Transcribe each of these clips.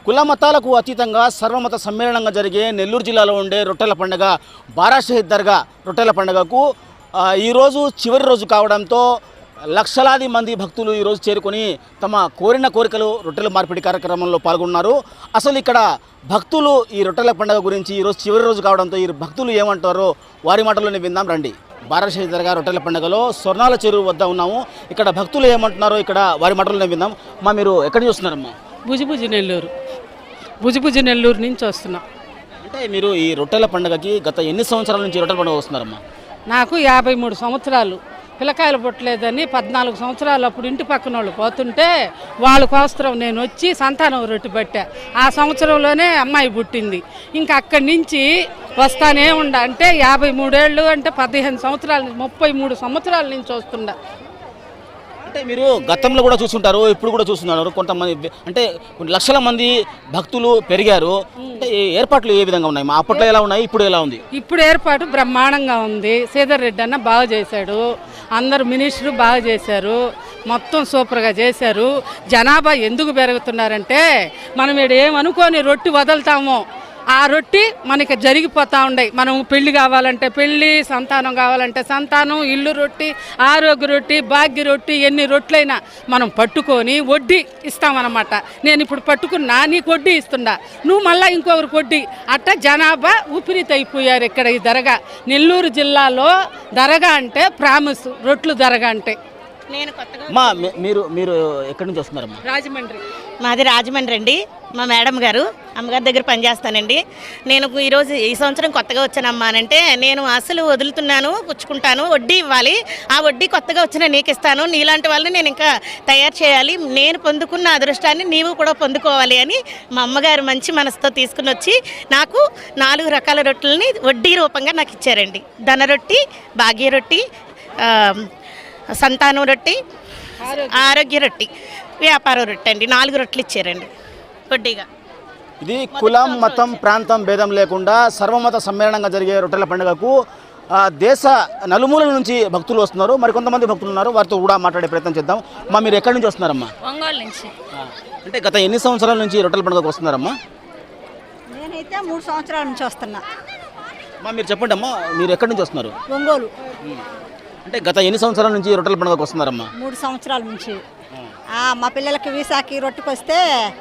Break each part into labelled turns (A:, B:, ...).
A: కుల మతాలకు అతీతంగా సర్వమత సమ్మేళనంగా జరిగే నెల్లూరు జిల్లాలో ఉండే రొట్టెల పండుగ బారాషహీద్ దర్గా రొట్టెల పండుగకు ఈరోజు చివరి రోజు కావడంతో లక్షలాది మంది భక్తులు ఈరోజు చేరుకొని తమ కోరిన కోరికలు రొట్టెల మార్పిడి కార్యక్రమంలో పాల్గొన్నారు. అసలు ఇక్కడ భక్తులు ఈ రొట్టెల పండుగ గురించి ఈరోజు చివరి రోజు కావడంతో ఈ భక్తులు ఏమంటారో వారి మాటల్లోనే విందాం రండి. బారాషహీద్ దర్గా రొట్టెల పండుగలో స్వర్ణాల చెరువు వద్ద ఉన్నాము. ఇక్కడ భక్తులు ఏమంటున్నారో ఇక్కడ వారి మాటల్లోనే విందాం. మీరు ఎక్కడ చూస్తున్నారమ్మా?
B: భుజిభుజి నెల్లూరు నుంచి వస్తున్నాం.
A: అంటే మీరు ఈ రొట్టెల పండుగకి గత ఎన్ని సంవత్సరాల నుంచి రొట్టెల పండుగ వస్తున్నారమ్మా?
B: నాకు 53 సంవత్సరాలు. పిల్లకాయలు పుట్టలేదని 14 సంవత్సరాలు అప్పుడు ఇంటి పక్కన వాళ్ళు పోతుంటే వాళ్ళ కోసరం నేను వచ్చి సంతానం రొట్టె పట్టా. ఆ సంవత్సరంలోనే అమ్మాయి పుట్టింది. ఇంకా అక్కడి నుంచి వస్తానే అంటే 53 ఏళ్ళు అంటే 15 సంవత్సరాల నుంచి 33 సంవత్సరాల నుంచి వస్తుండ.
A: అంటే మీరు గతంలో కూడా చూస్తుంటారు, ఇప్పుడు కూడా చూస్తున్నారు. కొంతమంది అంటే కొన్ని లక్షల మంది భక్తులు పెరిగారు. అంటే ఏర్పాట్లు ఏ విధంగా ఉన్నాయి? అప్పట్లో ఎలా ఉన్నాయి, ఇప్పుడు ఎలా ఉంది?
B: ఇప్పుడు ఏర్పాటు బ్రహ్మాండంగా ఉంది. శ్రీధర్ రెడ్డి అన్న బాగా చేశాడు. అందరు మినిస్టరు బాగా చేశారు. మొత్తం సూపర్గా చేశారు. జనాభా ఎందుకు పెరుగుతున్నారంటే మనం ఇక్కడ ఏమనుకొని రొట్టి వదులుతామో ఆ రొట్టి మనకి జరిగిపోతూ ఉన్నాయి. మనం పెళ్లి కావాలంటే పెళ్ళి, సంతానం కావాలంటే సంతానం, ఇల్లు రొట్టి, ఆరోగ్య రొట్టి, భాగ్య రొట్టి, ఎన్ని రొట్లైనా మనం పట్టుకొని వడ్డీ ఇస్తామన్నమాట. నేను ఇప్పుడు పట్టుకున్నా, నీకు వడ్డీ ఇస్తున్నా, నువ్వు మళ్ళీ ఇంకొకరికి వడ్డీ. అట్లా జనాభా ఊపిరితి అయిపోయారు ఇక్కడ ఈ దర్గా. నెల్లూరు జిల్లాలో దర్గా అంటే ప్రామిస్, రొట్లు దర్గా అంటే.
C: నేను కొత్తగా
A: మీరు ఎక్కడి నుంచి వస్తున్నారమ్మా?
B: రాజమండ్రి.
C: మాది రాజమండ్రి అండి. మా మేడం గారు అమ్మగారి దగ్గర పనిచేస్తానండి. నేను ఈరోజు ఈ సంవత్సరం కొత్తగా వచ్చానమ్మా అంటే, నేను అసలు వదులుతున్నాను, పుచ్చుకుంటాను, వడ్డీ ఇవ్వాలి, ఆ వడ్డీ కొత్తగా వచ్చిన నీకు ఇస్తాను, నీలాంటి వాళ్ళని నేను ఇంకా తయారు చేయాలి, నేను పొందుకున్న అదృష్టాన్ని నీవు కూడా పొందుకోవాలి అని మా అమ్మగారు మంచి మనసుతో తీసుకుని వచ్చి నాకు 4 రకాల రొట్టెలని వడ్డీ రూపంగా నాకు ఇచ్చారండి. ధన రొట్టి, భాగ్య రొట్టి, సంతానం రొట్టి, ఆరోగ్య రొట్టి, వ్యాపార రొట్టె అండి. 4 రొట్టెలు ఇచ్చారండి వడ్డీగా.
A: ఇది కులం, మతం, ప్రాంతం భేదం లేకుండా సర్వమత సమ్మేళనంగా జరిగే రొట్టెల పండుగకు దేశ నలుమూలల నుంచి భక్తులు వస్తున్నారు. మరి కొంతమంది భక్తులు ఉన్నారు, వారితో కూడా మాట్లాడే ప్రయత్నం చేద్దాం. మీరు ఎక్కడి నుంచి వస్తున్నారమ్మా?
D: ఒంగోలు నుంచి.
A: అంటే గత ఎన్ని సంవత్సరాల నుంచి రొట్టెల పండుగకు వస్తున్నారమ్మా?
E: నేనైతే 3 సంవత్సరాల నుంచి వస్తున్నా.
A: మీరు చెప్పండి అమ్మా, మీరు ఎక్కడి నుంచి వస్తున్నారు?
E: ఒంగోలు.
A: అంటే గత ఎన్ని సంవత్సరాల నుంచి రొట్టెల పండుగకు వస్తున్నారమ్మా?
E: 3 సంవత్సరాల నుంచి. మా పిల్లలకి వీసాకి రొట్టెకి వస్తే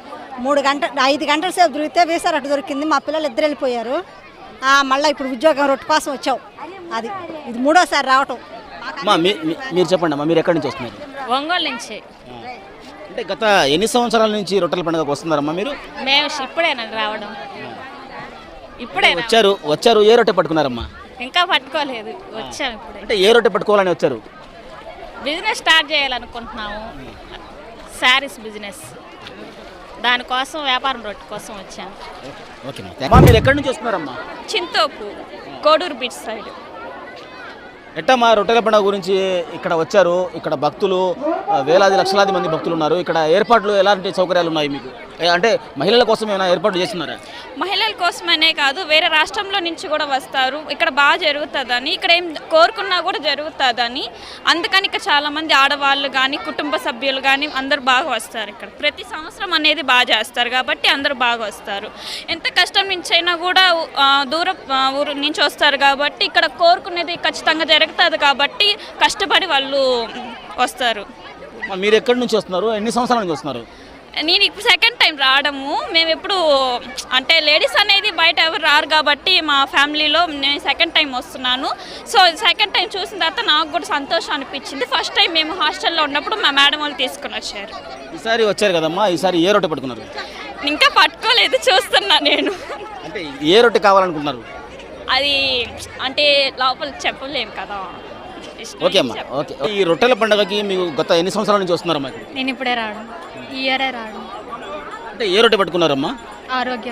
E: 5 గంటల సేపు దొరికితే వీసా రొట్టె దొరికింది. మా పిల్లలు 2 వెళ్ళిపోయారు. మళ్ళీ ఇప్పుడు ఉద్యోగం రొట్టె కోసం వచ్చావు. ఇది 3వసారి రావటం.
A: మీరు చెప్పండి అమ్మా, మీరు ఎక్కడి నుంచి వస్తున్నారు?
D: ఒంగోలు నుంచి.
A: అంటే గత ఎన్ని సంవత్సరాల నుంచి రొట్టెల పండుగకు వస్తున్నారమ్మా మీరు?
D: మేము ఇప్పుడేనండి రావడం. ఇప్పుడే
A: వచ్చారు. ఏ రొట్టె పట్టుకున్నారమ్మా?
D: ఇంకా పట్టుకోలేదు, వచ్చాము ఇప్పుడే.
A: అంటే ఏ రొట్టె పట్టుకోవాలని వచ్చారు?
D: బిజినెస్ స్టార్ట్ చేయాలనుకుంటున్నాము, శారీస్ బిజినెస్. దానికోసం వ్యాపారం రొట్టె కోసం వచ్చాము.
A: మీరు ఎక్కడి నుంచి వస్తున్నారమ్మా?
D: Chintopu, Koduru beach side.
A: ఎట్టమ్మా రొట్టెల పండుగ గురించి ఇక్కడ వచ్చారు? ఇక్కడ భక్తులు వేలాది లక్షలాది మంది భక్తులు ఉన్నారు. ఇక్కడ ఏర్పాట్లు ఎలాంటి సౌకర్యాలు ఉన్నాయి మీకు? అంటే మహిళల కోసం ఏమైనా ఏర్పాట్లు చేస్తున్నారా?
D: మహిళల కోసమనే కాదు, వేరే రాష్ట్రంలో నుంచి కూడా వస్తారు. ఇక్కడ బాగా జరుగుతుందని, ఇక్కడ ఏం కోరుకున్నా కూడా జరుగుతుందని, అందుకని ఇక్కడ చాలామంది ఆడవాళ్ళు కానీ కుటుంబ సభ్యులు కానీ అందరూ బాగా వస్తారు. ఇక్కడ ప్రతి సంవత్సరం అనేది బాగా చేస్తారు కాబట్టి అందరూ బాగా వస్తారు. ఎంత కష్టం నుంచి అయినా కూడా దూరం ఊరు నుంచి వస్తారు కాబట్టి ఇక్కడ కోరుకునేది ఖచ్చితంగా జరుగుతుంది కాబట్టి కష్టపడి వాళ్ళు వస్తారు.
A: మీరు ఎక్కడి నుంచి వస్తున్నారు? ఎన్ని సంవత్సరాల నుంచి వస్తున్నారు?
D: నేను ఇప్పుడు సెకండ్ టైం రావడము. మేము ఎప్పుడు అంటే లేడీస్ అనేది బయట ఎవరు రారు కాబట్టి మా ఫ్యామిలీలో నేను సెకండ్ టైం వస్తున్నాను. సో సెకండ్ టైం చూసిన తర్వాత నాకు కూడా సంతోషం అనిపించింది. ఫస్ట్ టైం మేము హాస్టల్లో ఉన్నప్పుడు మా మేడం వాళ్ళు తీసుకుని వచ్చారు.
A: ఈసారి వచ్చారు కదమ్మా, ఈసారి ఏ రొట్టె పట్టుకున్నారు?
D: ఇంకా పట్టుకోలేదు, చూస్తున్నా నేను.
A: అంటే ఏ రొట్టె కావాలనుకుంటున్నారు?
D: అది అంటే లోపల చెప్పలేము కదా.
A: ఓకే అమ్మా, ఓకే. ఈ రొట్టెల పండుగకి మీకు గత ఎన్ని సంవత్సరాల నుంచి వస్తున్నారమ్మా?
D: నేను ఇప్పుడే రావడం, ఈ ఇయరే రావడం.
A: అంటే ఏ రొట్టె పట్టుకున్నారమ్మా?
D: ఆరోగ్య.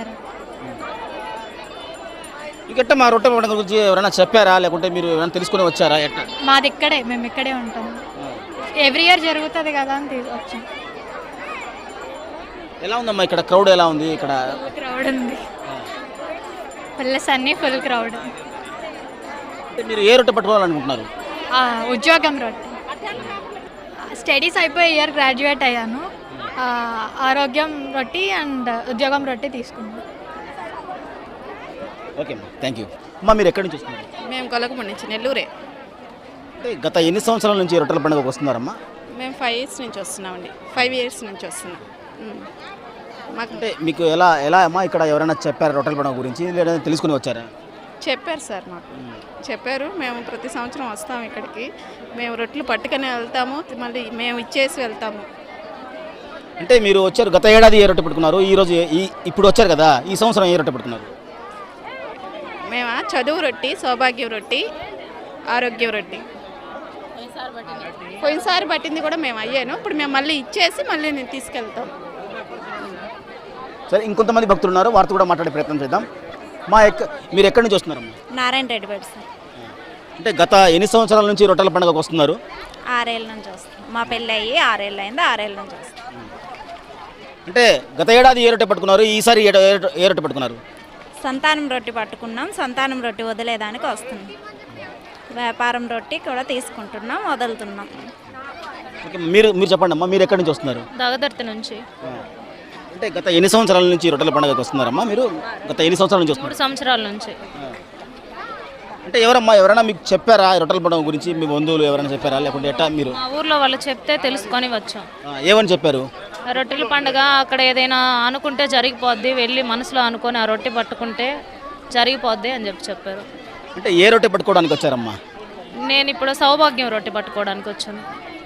A: ఇక మా రొట్టె పండుగ గురించి ఎవరైనా చెప్పారా, లేకుంటే మీరు ఏమైనా తెలుసుకుని వచ్చారా? ఎట్లా?
D: మాది ఇక్కడే, మేము ఇక్కడే ఉంటాం. ఎవ్రీ ఇయర్ జరుగుతుంది కదా అని వచ్చాం.
A: ఎలా ఉందమ్మా ఇక్కడ క్రౌడ్? ఎలా ఉంది ఇక్కడ?
D: క్రౌడ్ ఉంది, ప్లస్ అన్నీ ఫుల్ క్రౌడ్.
A: మీరు ఏ రొట్టె పట్టుకోవాలనుకుంటున్నారు?
D: ఉద్యోగం రొట్టె. స్టడీస్ అయిపోయి ఇయర్ గ్రాడ్యుయేట్ అయ్యాను.
F: ఆరోగ్యం రొట్టి అండ్ ఉద్యోగం రొట్టి తీసుకున్నాం.
A: ఓకే అమ్మా, థ్యాంక్ యూ. అమ్మా మీరు ఎక్కడి నుంచి వస్తున్నారు?
G: మేము కొలకమండి నుంచి నెల్లూరే.
A: అంటే గత ఎన్ని సంవత్సరాల నుంచి రొట్టెల పండుగకు వస్తున్నారమ్మా?
G: మేము 5 years నుంచి వస్తున్నామండి. 5 years నుంచి వస్తున్నాం. మాకు
A: అంటే మీకు ఎలా అమ్మా ఇక్కడ ఎవరైనా చెప్పారా రొట్టెల పండుగ గురించి, లేదా తెలుసుకుని వచ్చారా?
G: చెప్పారు సార్, మాకు చెప్పారు. మేము ప్రతి సంవత్సరం వస్తాము ఇక్కడికి. మేము రొట్టెలు పట్టుకొని వెళ్తాము, మళ్ళీ మేము ఇచ్చేసి వెళ్తాము.
A: అంటే మీరు వచ్చారు, గత ఏడాది ఏ రొట్టె పెట్టుకున్నారు, ఈరోజు ఇప్పుడు వచ్చారు కదా, ఈ సంవత్సరం ఏ రొట్టె పెట్టుకున్నారు?
G: మేము చదువు రొట్టి, సౌభాగ్యం రొట్టి, ఆరోగ్యం రొట్టి. పోయినసారి పట్టింది కూడా మేము అయ్యాను. ఇప్పుడు మేము మళ్ళీ ఇచ్చేసి మళ్ళీ నేను తీసుకెళ్తాం.
A: సరే, ఇంకొంతమంది భక్తులు ఉన్నారు, వారితో కూడా మాట్లాడే ప్రయత్నం చేద్దాం. మీరు ఎక్కడి నుంచి వస్తున్నారమ్మా?
H: నారాయణ రెడ్డి బడి సార్.
A: అంటే గత ఎన్ని సంవత్సరాల నుంచి రొట్టెల పండుగకు వస్తున్నారు?
H: 6 ఏళ్ళ నుంచి వస్తాం. మా పెళ్ళి అయ్యి 6 ఏళ్ళు అయింది. 6 ఏళ్ళ నుంచి వస్తాం.
A: అంటే గత ఏడాది ఏ రొట్టె పట్టుకున్నారు, ఈసారి ఏ రొట్టె పట్టుకున్నారు?
H: సంతానం రొట్టి పట్టుకున్నాం. సంతానం రొట్టి వదిలేదానికి వస్తున్నాం. వ్యాపారం రొట్టి కూడా తీసుకుంటున్నాం, వదులుతున్నాం.
A: ఓకే, మీరు చెప్పండి అమ్మా, మీరు ఎక్కడి నుంచి వస్తున్నారు?
H: దగదర్తి నుంచి.
A: అంటే గత ఎన్ని సంవత్సరాల నుంచి రొట్టెల పండుగకు వస్తున్నారమ్మా మీరు? గత ఎన్ని సంవత్సరాల నుంచి వస్తున్నారు?
H: 3 సంవత్సరాల నుంచి.
A: అంటే ఎవరైనా మీకు చెప్పారా రొట్టెల పండుగ గురించి? మీ బంధువులు ఎవరైనా చెప్పారా, లేకుంటే ఎట్టా మీరు?
H: మా ఊర్లో వాళ్ళు చెప్తే తెలుసుకొని వచ్చాం.
A: ఏమని చెప్పారు?
H: రొట్టెల పండుగ అక్కడ ఏదైనా అనుకుంటే జరిగిపోద్ది, వెళ్ళి మనసులో అనుకొని ఆ రొట్టె పట్టుకుంటే జరిగిపోద్ది అని చెప్పారు.
A: అంటే ఏ రొట్టె పట్టుకోవడానికి వచ్చారమ్మా?
H: నేను ఇప్పుడు సౌభాగ్యం రొట్టె పట్టుకోవడానికి వచ్చాను.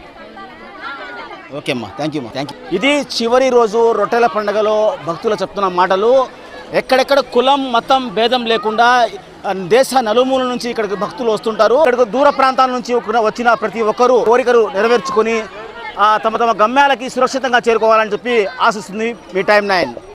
A: ఓకే అమ్మా, థ్యాంక్ యూ. ఇది చివరి రోజు రొట్టెల పండుగలో భక్తులు చెప్తున్న మాటలు. ఎక్కడెక్కడ కులం మతం భేదం లేకుండా దేశ నలుమూల నుంచి ఇక్కడికి భక్తులు వస్తుంటారు. ఇక్కడికి దూర ప్రాంతాల నుంచి వచ్చిన ప్రతి ఒక్కరూ కోరికలు నెరవేర్చుకొని తమ గమ్యాలకి సురక్షితంగా చేరుకోవాలని చెప్పి ఆశిస్తుంది మీ టైమ్ 9.